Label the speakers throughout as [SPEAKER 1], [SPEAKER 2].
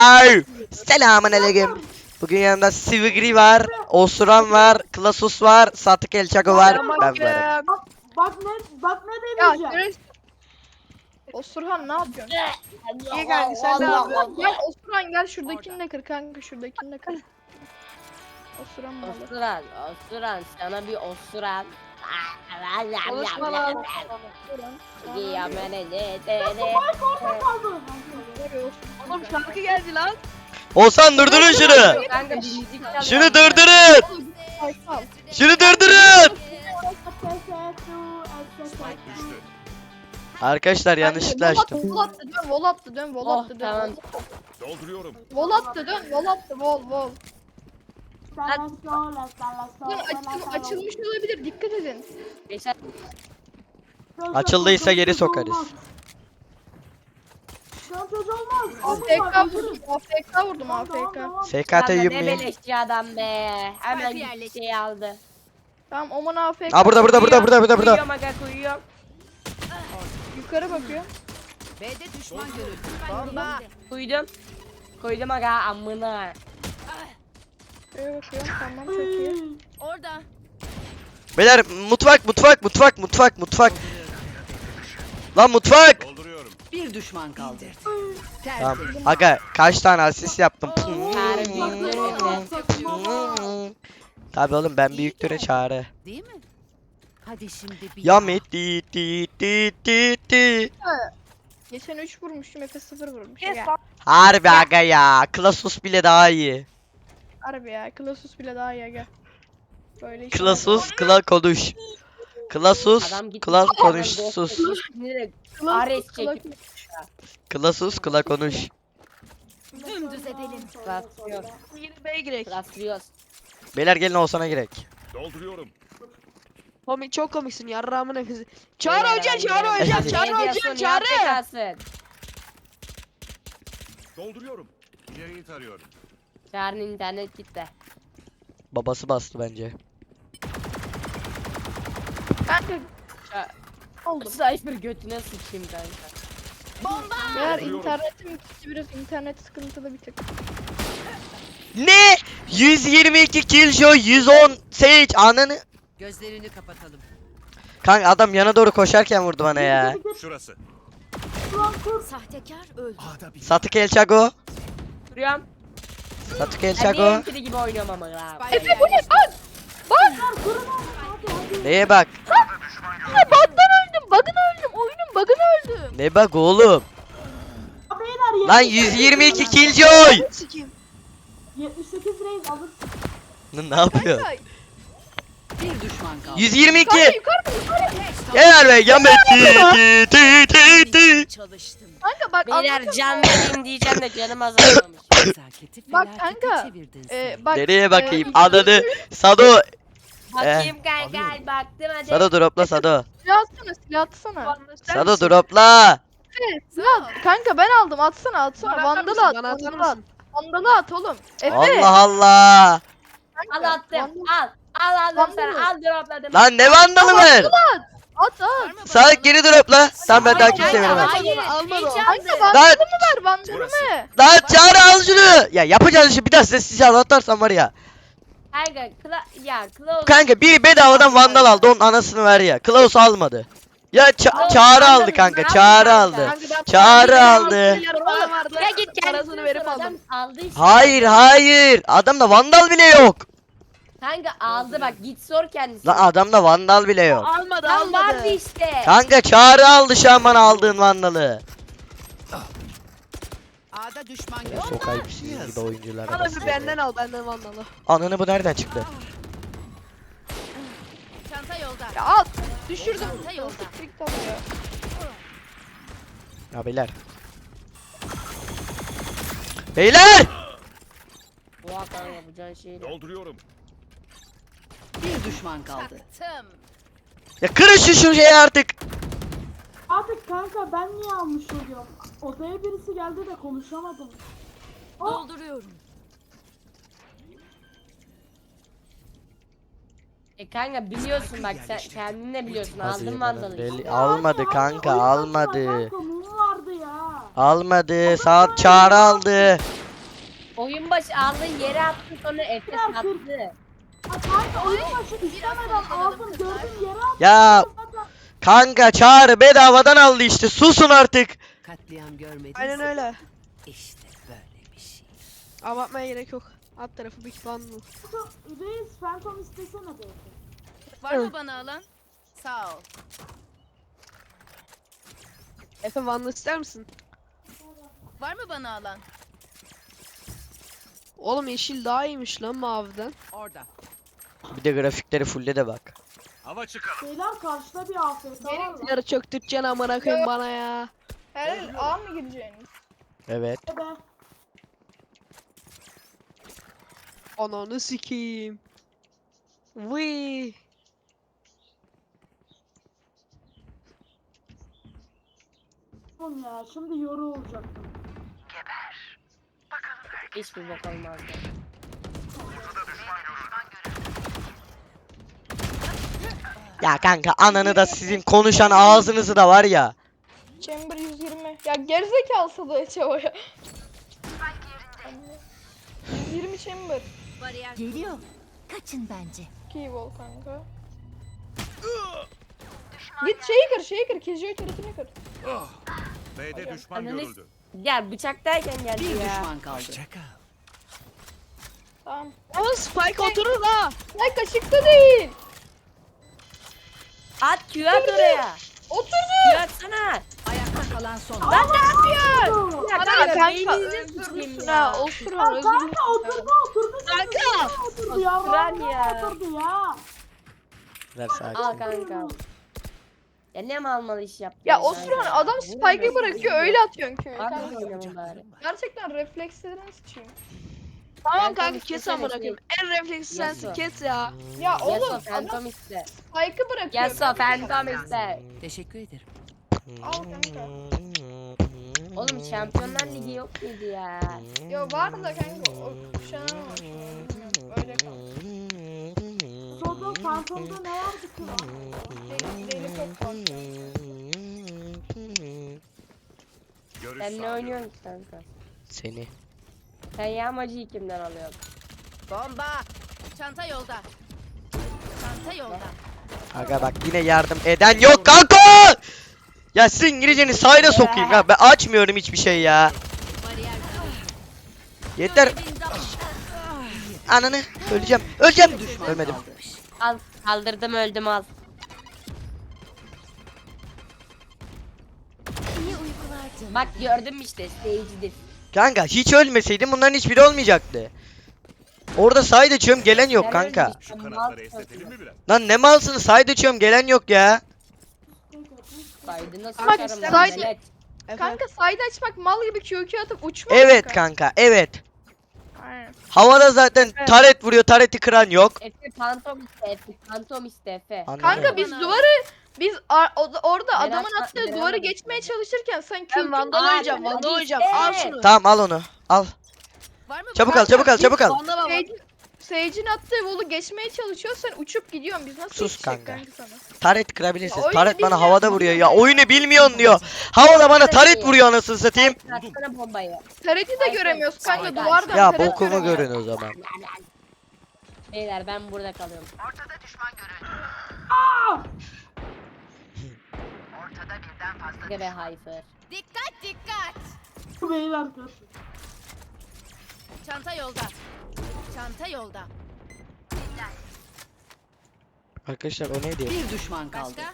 [SPEAKER 1] Ay, selamünaleyküm. Bugün yanımda Sivigri var, Osuran var, Klasus var, Satık Elçako var, ben varım.
[SPEAKER 2] Bak ne
[SPEAKER 3] Ya
[SPEAKER 2] demeyeceğim.
[SPEAKER 3] Güneş. Osurhan ne yapıyorsun?
[SPEAKER 4] İyi kanka sen ne yapıyorsun?
[SPEAKER 3] Gel Osurhan gel şuradakini de kır kanka şuradakini de kır. Osurhan malı.
[SPEAKER 4] Osuran sana bir osuran.
[SPEAKER 3] Konuşma lan. Osuran.
[SPEAKER 2] Orada kaldı.
[SPEAKER 4] Oğlum şarkı geldi lan.
[SPEAKER 1] Oğuzhan durdurun şunu.
[SPEAKER 4] Kanka bir müzik çalıyor.
[SPEAKER 1] Şunu durdurun. Şunu durdurun. Arkadaşlar yanlışlıkla açtım.
[SPEAKER 3] Vol attı dön vol attı dön vol
[SPEAKER 4] Oh
[SPEAKER 3] attı
[SPEAKER 4] tamam.
[SPEAKER 3] dön.
[SPEAKER 5] Dolduruyorum.
[SPEAKER 3] Vol attı dön vol attı vol. Açılmış olabilir dikkat edin.
[SPEAKER 4] Geçen
[SPEAKER 1] Açıldıysa geri sokarız.
[SPEAKER 2] Şantaj olmaz.
[SPEAKER 3] AFK vurdum AFK vurdum AFK.
[SPEAKER 1] SKT
[SPEAKER 4] Kanka ne
[SPEAKER 1] yummayın.
[SPEAKER 4] beleşçi adam be. Hemen bir şey aldı.
[SPEAKER 3] Tamam Oman AFK.
[SPEAKER 1] Aa burada.
[SPEAKER 4] Kuyuyorum aga kuyuyorum.
[SPEAKER 3] Yukarı bakıyor.
[SPEAKER 6] B'de düşman görüldü.
[SPEAKER 4] Kuydum. Koydum aga amına.
[SPEAKER 3] Şuraya bakıyor. Tamam çok iyi.
[SPEAKER 6] Orada.
[SPEAKER 1] Beyler mutfak. Lan mutfak.
[SPEAKER 5] Dolduruyorum.
[SPEAKER 6] Bir düşman kaldı.
[SPEAKER 1] Tamam. Aga kaç tane asist yaptım. Tabii oğlum ben büyüklere çağrı.
[SPEAKER 6] Değil mi? Hadi şimdi bir
[SPEAKER 1] Yamit di.
[SPEAKER 3] Geçen 3 vurmuştum Efe 0 vurmuş.
[SPEAKER 4] Kes
[SPEAKER 3] Ya.
[SPEAKER 4] lan.
[SPEAKER 1] Harbi aga ya. Klasus bile daha iyi.
[SPEAKER 3] Harbi ya. Klasus bile daha iyi gel. Böyle işler.
[SPEAKER 1] Klasus kla konuş. Klasus
[SPEAKER 4] Adam gitti.
[SPEAKER 1] kla konuş sus.
[SPEAKER 3] Klasus,
[SPEAKER 4] Ares
[SPEAKER 3] Klasus.
[SPEAKER 4] çekip
[SPEAKER 1] Klasus kla konuş.
[SPEAKER 6] dümdüz edelim.
[SPEAKER 4] klaslıyor.
[SPEAKER 7] Yeni B'ye girek.
[SPEAKER 4] Klaslıyoruz.
[SPEAKER 1] Beyler gelin Oğuzhan'a girek.
[SPEAKER 5] Dolduruyorum.
[SPEAKER 7] Komik çok komiksin yarrağımın nefesi. Çağrı hocam Çağrı hocam Çağrı hocam Çağrı.
[SPEAKER 5] Dolduruyorum. İleriyi tarıyorum.
[SPEAKER 4] Çağrı'nın internet gitti.
[SPEAKER 1] Babası bastı bence.
[SPEAKER 3] Kanka
[SPEAKER 4] Oldum. Cypher götüne sıçayım kanka.
[SPEAKER 3] eğer
[SPEAKER 5] Dolduruyorum.
[SPEAKER 3] internetim gitti biraz internet sıkıntılı bir tık.
[SPEAKER 1] Ne? 122 killjoy 110 Sage ananı.
[SPEAKER 6] Gözlerini kapatalım.
[SPEAKER 1] Kanka adam yana doğru koşarken vurdu bana ya.
[SPEAKER 5] Şurası.
[SPEAKER 6] Sahtekar öldü.
[SPEAKER 5] A'da bir.
[SPEAKER 1] Satık Elçago.
[SPEAKER 4] Duruyorum.
[SPEAKER 1] Satık
[SPEAKER 4] Ben
[SPEAKER 1] Elçago.
[SPEAKER 4] diğer gibi oynuyorum ama ya.
[SPEAKER 6] Efe bu ne?
[SPEAKER 1] Neye bak?
[SPEAKER 3] Bug'dan öldüm oyunun bug'ına öldüm.
[SPEAKER 1] Ne bak oğlum?
[SPEAKER 2] Beyler
[SPEAKER 1] Lan 122 killjoy.
[SPEAKER 7] Sikeyim.
[SPEAKER 2] 78 reis alır.
[SPEAKER 1] Ne yapıyor?
[SPEAKER 3] Kanka,
[SPEAKER 6] Bir düşman kaldı.
[SPEAKER 1] 122.
[SPEAKER 3] kanka yukarı
[SPEAKER 1] Gel be Yamet. Ti.
[SPEAKER 6] Çalıştım.
[SPEAKER 3] kanka bak
[SPEAKER 4] Beyler
[SPEAKER 3] anladın
[SPEAKER 4] can
[SPEAKER 3] mı?
[SPEAKER 4] vereyim diyeceğim de canım azalmamış.
[SPEAKER 6] Nezaketi
[SPEAKER 3] Bak
[SPEAKER 6] felakete
[SPEAKER 3] kanka,
[SPEAKER 6] çevirdin sen.
[SPEAKER 3] Bak,
[SPEAKER 1] Nereye bakayım?
[SPEAKER 3] e,
[SPEAKER 1] Ananı. Sado.
[SPEAKER 4] Bakayım kanka baktım hadi.
[SPEAKER 1] Sado dropla Sado.
[SPEAKER 3] silah atsana.
[SPEAKER 1] Sado dropla.
[SPEAKER 3] Evet, silah kanka ben aldım atsana vandalı at
[SPEAKER 7] Bana atar
[SPEAKER 3] vandalı at.
[SPEAKER 7] mısın?
[SPEAKER 3] Vandalı at oğlum. Efe.
[SPEAKER 1] Allah Allah.
[SPEAKER 4] Al attım al. Al aldım sana al dropladım.
[SPEAKER 1] Lan ne vandalı var?
[SPEAKER 3] At.
[SPEAKER 1] Sağ geri dropla. Tamam ben daha
[SPEAKER 4] Hayır,
[SPEAKER 1] kimseye veremem.
[SPEAKER 4] hayır,
[SPEAKER 7] Almadı o.
[SPEAKER 4] hiç
[SPEAKER 3] Kanka
[SPEAKER 4] aldı.
[SPEAKER 3] vandalımı ver vandalımı.
[SPEAKER 1] Lan Çağrı al şunu. Ya yapacağız işi bir daha size sizi anlatarsam var ya.
[SPEAKER 4] Kanka Klaus.
[SPEAKER 1] Kanka biri bedavadan vandal aldı onun anasını ver ya. Klaus almadı. Ya Çağrı aldı kanka. Çağrı aldı.
[SPEAKER 3] Kanka ben
[SPEAKER 1] Çağrı aldı.
[SPEAKER 7] Para vardı.
[SPEAKER 4] Ya git
[SPEAKER 7] Parasını
[SPEAKER 4] kendisini
[SPEAKER 7] verip
[SPEAKER 4] adam
[SPEAKER 7] aldım.
[SPEAKER 4] aldı işte.
[SPEAKER 1] Hayır. Adamda vandal bile yok.
[SPEAKER 4] Kanka aldı bak git sor kendisine.
[SPEAKER 1] Lan adamda vandal bile yok.
[SPEAKER 7] Almadı
[SPEAKER 4] Lan vardı
[SPEAKER 7] almadı.
[SPEAKER 4] işte.
[SPEAKER 1] Kanka Çağrı aldı şu an bana aldığın vandalı.
[SPEAKER 6] A'da düşman görüldü.
[SPEAKER 1] Sokayım sizin gibi oyuncular.
[SPEAKER 7] Bana bir benden al benden vandalı.
[SPEAKER 1] Ananı bu nereden çıktı?
[SPEAKER 6] Çanta yolda.
[SPEAKER 3] Ya at. Düşürdüm.
[SPEAKER 6] Çanta yolda.
[SPEAKER 3] TikTok ya.
[SPEAKER 1] Ya beyler. Beyler!
[SPEAKER 4] Bu hakan yapacağın şeyi.
[SPEAKER 5] Dolduruyorum.
[SPEAKER 6] Bir düşman kaldı.
[SPEAKER 1] Ya kırın şu şeyi artık.
[SPEAKER 2] Artık kanka ben niye almış oluyorum? Odaya birisi geldi de konuşamadım.
[SPEAKER 6] Dolduruyorum.
[SPEAKER 4] Kanka biliyorsun bak sen kendin de biliyorsun aldın mandalı. işte.
[SPEAKER 1] Almadı kanka almadı.
[SPEAKER 2] Kanka mum vardı ya.
[SPEAKER 1] Almadı. Saat Çağrı aldı.
[SPEAKER 4] oyun başı aldı yere attı sonra Efe sattı.
[SPEAKER 2] Ha, kanka oyun başı istemeden aldım gördüm yere attım.
[SPEAKER 1] Ya
[SPEAKER 2] Zaten
[SPEAKER 1] kanka Çağrı bedavadan aldı işte. Susun artık.
[SPEAKER 6] Katliam görmediniz.
[SPEAKER 7] Aynen öyle.
[SPEAKER 6] İşte böyle bir şey.
[SPEAKER 7] Abartmaya gerek yok. Alt tarafı bir bundle.
[SPEAKER 2] Reis Phantom istesene de.
[SPEAKER 6] Var mı bana alan? Sağ ol.
[SPEAKER 7] Efe bundle ister misin?
[SPEAKER 6] Var mı bana alan?
[SPEAKER 7] Oğlum yeşil daha iyiymiş lan maviden.
[SPEAKER 6] Orada.
[SPEAKER 1] Bir de grafikleri fulle de bak.
[SPEAKER 5] Hava çıkalım.
[SPEAKER 2] Beyler karşıda bir afet var mı?
[SPEAKER 7] Yarı çöktüreceksin amına koyayım bana ya.
[SPEAKER 3] Herhalde A mı gireceğiniz?
[SPEAKER 1] Evet.
[SPEAKER 2] Be.
[SPEAKER 7] Ananı sikeyim. Vıy.
[SPEAKER 2] Oğlum ya şimdi yoru olacaktım.
[SPEAKER 4] Hiçbir bok olmazdı.
[SPEAKER 1] Ya kanka ananı da sizin konuşan ağzınızı da var ya.
[SPEAKER 3] Chamber 120. Ya gerizekalı Sadık'a çabaya. 120 chamber.
[SPEAKER 6] Bariyer.
[SPEAKER 8] Geliyor. Kaçın bence.
[SPEAKER 3] Keywall kanka. Git şeyi kır. Killjoy turretini kır.
[SPEAKER 5] B'de düşman
[SPEAKER 4] Ananı-
[SPEAKER 5] görüldü.
[SPEAKER 4] Gel bıçaktayken geldi
[SPEAKER 6] Bir
[SPEAKER 4] ya.
[SPEAKER 6] düşman kaldı.
[SPEAKER 3] Tamam.
[SPEAKER 7] Ama Spike oturur ha.
[SPEAKER 3] Ay kaşıkta değil.
[SPEAKER 4] At Q at oraya.
[SPEAKER 3] Oturdu.
[SPEAKER 4] Q atsana.
[SPEAKER 6] Ayakta kalan son.
[SPEAKER 4] Lan ne yapıyorsun? Ya
[SPEAKER 7] Kanka
[SPEAKER 4] kanka
[SPEAKER 7] kanka
[SPEAKER 4] beyninizi sıçayım
[SPEAKER 7] öldürürsün
[SPEAKER 4] ya.
[SPEAKER 7] ha. Otur ha. Özür
[SPEAKER 2] Kanka oturdu.
[SPEAKER 7] Kanka.
[SPEAKER 2] Oturdu ya.
[SPEAKER 4] Kıran
[SPEAKER 2] vallahi
[SPEAKER 4] ya.
[SPEAKER 2] Oturdu ya.
[SPEAKER 1] Ver sakin.
[SPEAKER 4] Al kanka. Ya ne mal mal iş yaptın?
[SPEAKER 3] Ya Osman adam spike'ı bırakıyor öyle atıyorsun Q'yu.
[SPEAKER 4] Hadi
[SPEAKER 3] Kanka.
[SPEAKER 4] oynayalım bari.
[SPEAKER 3] Gerçekten reflekslerini sıçayım.
[SPEAKER 7] Tamam
[SPEAKER 4] Ben
[SPEAKER 7] kanka
[SPEAKER 4] tabii
[SPEAKER 7] kes
[SPEAKER 4] kesene
[SPEAKER 7] amına
[SPEAKER 4] şey-
[SPEAKER 7] koyayım. En refleksi sensin
[SPEAKER 4] Yasu.
[SPEAKER 7] kes ya.
[SPEAKER 3] Ya
[SPEAKER 4] Yaso
[SPEAKER 3] oğlum adam
[SPEAKER 4] Phantom iste.
[SPEAKER 3] spike'ı bırakıyor.
[SPEAKER 4] Yaso Phantom iste.
[SPEAKER 6] Teşekkür ederim.
[SPEAKER 3] Al kanka.
[SPEAKER 4] Oğlum Şampiyonlar Ligi yok muydu ya?
[SPEAKER 3] Yo var da kanka o kuşanamamış. Bilmiyorum, öyle kaldı.
[SPEAKER 2] Sonra Phantom'da ne vardı ki?
[SPEAKER 3] Deli top var.
[SPEAKER 5] Görüş
[SPEAKER 4] Sen ne
[SPEAKER 5] sağlıyorum.
[SPEAKER 4] oynuyorsun ki kanka?
[SPEAKER 1] Seni.
[SPEAKER 4] Sen yağmacıyı kimden alıyorsun?
[SPEAKER 6] Bomba. Çanta yolda. Çanta yolda.
[SPEAKER 1] Aga bak yine yardım eden yok kanka. Ya sizin İngilizceni sayda sokayım ha. Ben açmıyorum hiçbir şey ya.
[SPEAKER 6] Bariyer.
[SPEAKER 1] Yeter. Ananı öleceğim. Öleceğim. Ölmedim.
[SPEAKER 4] Al kaldırdım öldüm al.
[SPEAKER 8] İyi uykular canım.
[SPEAKER 4] Bak gördün mü işte seyircidir.
[SPEAKER 1] Kanka hiç ölmeseydim bunların hiçbiri olmayacaktı. Orada side açıyorum gelen yok
[SPEAKER 4] Sen
[SPEAKER 1] kanka.
[SPEAKER 4] ölmüşsün,
[SPEAKER 5] Şu
[SPEAKER 4] mal
[SPEAKER 5] kanatları esnetelim
[SPEAKER 4] sokma.
[SPEAKER 5] mi biraz?
[SPEAKER 1] Lan ne malsınız side açıyorum gelen yok ya.
[SPEAKER 4] Saydığına
[SPEAKER 7] Kanka,
[SPEAKER 4] sokarım lan
[SPEAKER 7] side-
[SPEAKER 4] velet.
[SPEAKER 3] Kanka side açmak mal gibi QQ atıp uçmak.
[SPEAKER 1] Evet kanka evet.
[SPEAKER 3] Aynen.
[SPEAKER 1] Havada zaten taret vuruyor tareti kıran yok.
[SPEAKER 4] Efe Phantom iste Efe Phantom iste Efe.
[SPEAKER 1] Anladım.
[SPEAKER 3] Kanka biz orada
[SPEAKER 4] Berat
[SPEAKER 3] adamın
[SPEAKER 4] bak,
[SPEAKER 3] attığı
[SPEAKER 4] Berat
[SPEAKER 3] duvarı
[SPEAKER 4] bak.
[SPEAKER 3] geçmeye çalışırken sen
[SPEAKER 7] Ben
[SPEAKER 3] QQ
[SPEAKER 7] vandal
[SPEAKER 4] Aa,
[SPEAKER 7] oynayacağım.
[SPEAKER 4] hadi
[SPEAKER 7] Vandal oynayacağım.
[SPEAKER 4] işte.
[SPEAKER 7] Al şunu.
[SPEAKER 1] Tamam al onu. Al.
[SPEAKER 6] Var mı
[SPEAKER 1] Çabuk
[SPEAKER 6] bana
[SPEAKER 1] al çabuk al çabuk al.
[SPEAKER 7] Vandala bak.
[SPEAKER 3] Sage'in attığı wall'u geçmeye çalışıyor sen uçup gidiyorsun biz nasıl
[SPEAKER 1] Sus
[SPEAKER 3] yetişecek
[SPEAKER 1] kanka.
[SPEAKER 3] sana?
[SPEAKER 1] Taret kırabilirsiniz.
[SPEAKER 3] Ya oyunu
[SPEAKER 1] Taret bana
[SPEAKER 3] bilmiyorum,
[SPEAKER 1] havada vuruyor ya.
[SPEAKER 3] bilmiyorum.
[SPEAKER 1] Oyunu bilmiyorsun diyor. Havada bana taret vuruyor anasını satayım.
[SPEAKER 4] Atsana bombayı.
[SPEAKER 3] Taret'i de göremiyoruz kanka
[SPEAKER 4] Aynen.
[SPEAKER 3] duvardan
[SPEAKER 1] Ya
[SPEAKER 3] taret
[SPEAKER 1] bokumu
[SPEAKER 3] göremiyoruz.
[SPEAKER 1] görün o zaman.
[SPEAKER 4] Beyler ben burada kalıyorum. Ortada ve Hyper.
[SPEAKER 6] Dikkat dikkat.
[SPEAKER 2] Beyler kır.
[SPEAKER 6] Çanta yolda. Çanta yolda.
[SPEAKER 1] Arkadaşlar o neydi?
[SPEAKER 6] Bir düşman kaldı. Başka?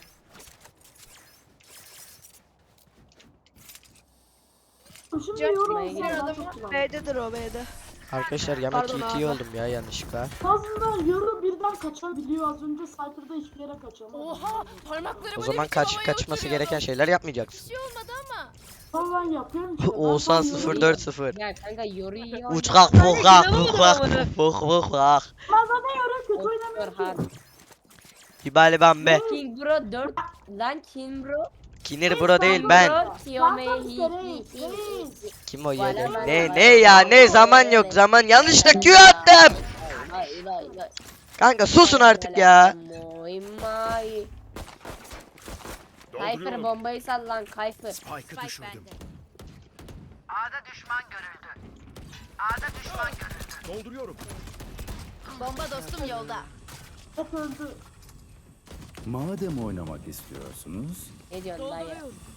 [SPEAKER 2] Şimdi
[SPEAKER 3] Can-
[SPEAKER 2] yoru
[SPEAKER 4] Buraya
[SPEAKER 3] Sen
[SPEAKER 2] olsa
[SPEAKER 3] adamı-
[SPEAKER 7] B'dedir o B'de.
[SPEAKER 1] Arkadaşlar yemek
[SPEAKER 7] Pardon
[SPEAKER 1] ET
[SPEAKER 7] abi.
[SPEAKER 1] oldum ya yanlışlıkla.
[SPEAKER 2] Aslında yoru birden kaçabiliyor. Az önce Cypher'da hiçbir yere kaçamadı.
[SPEAKER 6] Oha parmaklarımı
[SPEAKER 1] O zaman kaçması gereken şeyler yapmayacaksın.
[SPEAKER 6] Bir şey olmadı ama.
[SPEAKER 2] Ben yapıyorum işte.
[SPEAKER 1] Oğuzhan
[SPEAKER 2] Ben yoru-
[SPEAKER 1] 040.
[SPEAKER 4] Ya kanka yoru iyi
[SPEAKER 1] Uçkak bukak bukak buk bukak.
[SPEAKER 2] Ben zaten yoru kötü oynamıyorum
[SPEAKER 4] hard.
[SPEAKER 2] ki.
[SPEAKER 1] Hibali bambe.
[SPEAKER 4] King Bro 4 lan King Bro.
[SPEAKER 1] Kinir bro değil ben.
[SPEAKER 4] Bro Kiyome
[SPEAKER 2] Zaten
[SPEAKER 4] hi
[SPEAKER 2] Reis,
[SPEAKER 4] hi hi.
[SPEAKER 2] Reis.
[SPEAKER 1] Kim o ya?
[SPEAKER 4] Valla
[SPEAKER 1] Ne
[SPEAKER 4] valla
[SPEAKER 1] ne ya ne zaman yok zaman yanlışlıkla Q attım.
[SPEAKER 4] Vay vay vay.
[SPEAKER 1] Kanka susun artık ya.
[SPEAKER 4] Moy may. Kayfer
[SPEAKER 5] Dolduruyorum.
[SPEAKER 4] bombayı sal lan Kayfer.
[SPEAKER 5] Spike'ı
[SPEAKER 6] Spike
[SPEAKER 5] düşürdüm.
[SPEAKER 6] bende.
[SPEAKER 5] Dolduruyorum.
[SPEAKER 6] Bomba dostum yolda.
[SPEAKER 2] Hep öldü.
[SPEAKER 9] Madem oynamak istiyorsunuz,
[SPEAKER 4] Ne diyorsun dayı?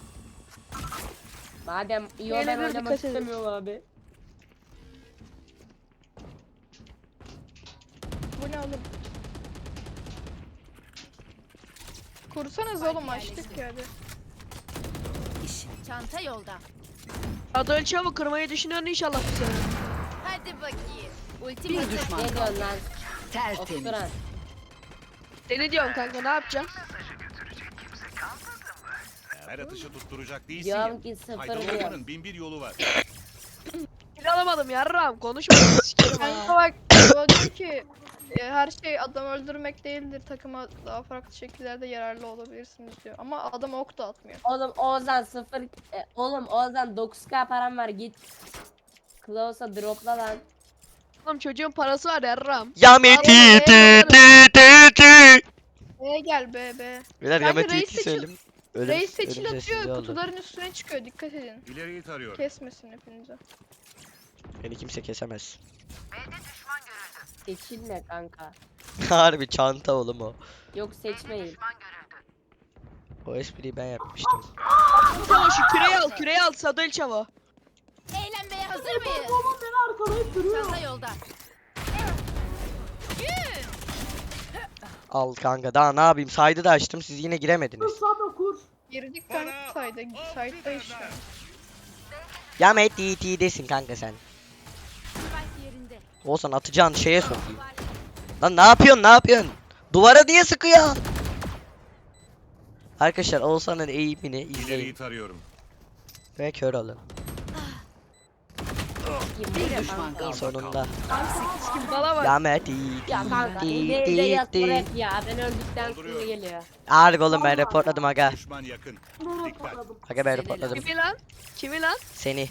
[SPEAKER 4] Madem iyi
[SPEAKER 7] Öyle
[SPEAKER 4] ben
[SPEAKER 7] bir
[SPEAKER 4] oynamak
[SPEAKER 7] dikkat edin.
[SPEAKER 4] istemiyorum abi.
[SPEAKER 3] Bu ne oğlum? Kursanız oğlum açtık ya hadi.
[SPEAKER 6] Çanta yolda.
[SPEAKER 7] Adol çabuk kırmayı düşünüyorsun inşallah bu sene.
[SPEAKER 6] Hadi bakayım. Ultim
[SPEAKER 8] Bir
[SPEAKER 6] hazır.
[SPEAKER 8] düşman
[SPEAKER 4] Ne
[SPEAKER 8] kaldı.
[SPEAKER 4] diyorsun lan?
[SPEAKER 8] Tertemiz.
[SPEAKER 4] Oturan.
[SPEAKER 7] Seni diyorum kanka ne yapacaksın?
[SPEAKER 5] Her atışı tutturacak değilsin
[SPEAKER 4] Diyorum
[SPEAKER 5] ya.
[SPEAKER 4] ki sıfır
[SPEAKER 5] Faydalı
[SPEAKER 4] diyor.
[SPEAKER 5] olmanın bin bir yolu var.
[SPEAKER 7] Kill alamadım yarram konuşma sikerim
[SPEAKER 3] Kanka
[SPEAKER 7] ha.
[SPEAKER 3] bak o diyor ki her şey adam öldürmek değildir. Takıma daha farklı şekillerde yararlı olabilirsiniz diyor. Ama adam ok da atmıyor.
[SPEAKER 4] Oğlum Oğuzhan sıfır. Oğlum Oğuzhan 9k param var git. Klaus'a dropla lan.
[SPEAKER 7] Oğlum çocuğun parası var yarram.
[SPEAKER 1] Yami ti ti ti ti ti.
[SPEAKER 3] Gel be.
[SPEAKER 1] Beyler
[SPEAKER 3] Kanka
[SPEAKER 1] Yami ti
[SPEAKER 3] reis
[SPEAKER 1] ti
[SPEAKER 3] seçil-
[SPEAKER 1] söyledim.
[SPEAKER 3] Reis seçil
[SPEAKER 1] ölüm sessizliği
[SPEAKER 3] atıyor.
[SPEAKER 1] oldu.
[SPEAKER 3] Kutuların üstüne çıkıyor. Dikkat edin.
[SPEAKER 5] İleriyi tarıyorum.
[SPEAKER 3] Kesmesin hepinizi.
[SPEAKER 1] Beni kimse kesemez.
[SPEAKER 4] Seçilme kanka.
[SPEAKER 1] Harbi çanta oğlum o.
[SPEAKER 4] Yok seçmeyin.
[SPEAKER 1] O espriyi ben yapmıştım.
[SPEAKER 7] Çavo şu küreyi al Adol çavo.
[SPEAKER 6] Eğlenmeye hazır mıyız?
[SPEAKER 2] Oğlum beni arkalayıp duruyor.
[SPEAKER 6] Çanta yolda.
[SPEAKER 1] Al kanka daha ne yapayım? Saydı da açtım siz yine giremediniz.
[SPEAKER 2] Sado kur.
[SPEAKER 3] Girdik kanka sayda. Sayda işte.
[SPEAKER 1] Yami ti ti desin kanka sen.
[SPEAKER 6] Spike yerinde.
[SPEAKER 1] Olsan atacağın şeye sokayım. Lan ne yapıyorsun? Duvara niye sıkıyor? Arkadaşlar Oğuzhan'ın eğimini
[SPEAKER 5] İleriyi
[SPEAKER 1] izleyin
[SPEAKER 5] tarıyorum.
[SPEAKER 1] ve kör olun.
[SPEAKER 8] Bir düşman kaldı.
[SPEAKER 1] Sonunda.
[SPEAKER 7] Bana bak.
[SPEAKER 1] Yami ti
[SPEAKER 4] Ya kanka
[SPEAKER 1] ti
[SPEAKER 4] ileride
[SPEAKER 1] ti
[SPEAKER 4] yat
[SPEAKER 1] ti.
[SPEAKER 4] rap ya. Ben öldükten sonra
[SPEAKER 5] Dolduruyorum.
[SPEAKER 4] geliyor.
[SPEAKER 1] Harbi oğlum ben reportladım aga.
[SPEAKER 5] Düşman yakın.
[SPEAKER 2] Nereye
[SPEAKER 5] Dikkat.
[SPEAKER 2] patladım?
[SPEAKER 1] Aga ben reportladım.
[SPEAKER 7] Kimi lan? Kimi lan?
[SPEAKER 1] Seni.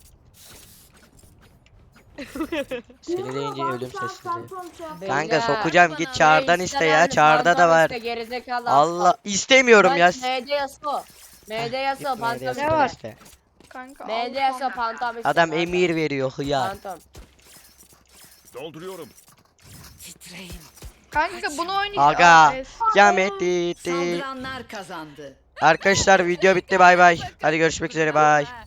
[SPEAKER 1] Seni deyince ölüm sessizliği. Kanka
[SPEAKER 4] Beyler,
[SPEAKER 1] sokacağım git çağrıdan
[SPEAKER 4] Reis'ten
[SPEAKER 1] iste ya
[SPEAKER 4] aldım,
[SPEAKER 1] çağrıda da
[SPEAKER 4] phantom
[SPEAKER 1] var.
[SPEAKER 4] iste, gerizekalı
[SPEAKER 1] Allah
[SPEAKER 4] aptal.
[SPEAKER 1] istemiyorum ya.
[SPEAKER 4] Bak, MD Yaso. MD Yaso Phantom
[SPEAKER 3] Ne var?
[SPEAKER 1] iste.
[SPEAKER 3] Kanka
[SPEAKER 4] MD
[SPEAKER 3] al.
[SPEAKER 4] Yaso Phantom iste.
[SPEAKER 1] Adam
[SPEAKER 4] kanka.
[SPEAKER 1] emir veriyor hıyar.
[SPEAKER 4] Phantom.
[SPEAKER 5] Dolduruyorum.
[SPEAKER 8] Titreyin.
[SPEAKER 3] Kanka bunu oynayacağız.
[SPEAKER 1] Aga. Yami ti ti.
[SPEAKER 8] Saldıranlar kazandı.
[SPEAKER 1] Arkadaşlar video bitti bay bay. Hadi görüşmek üzere bay.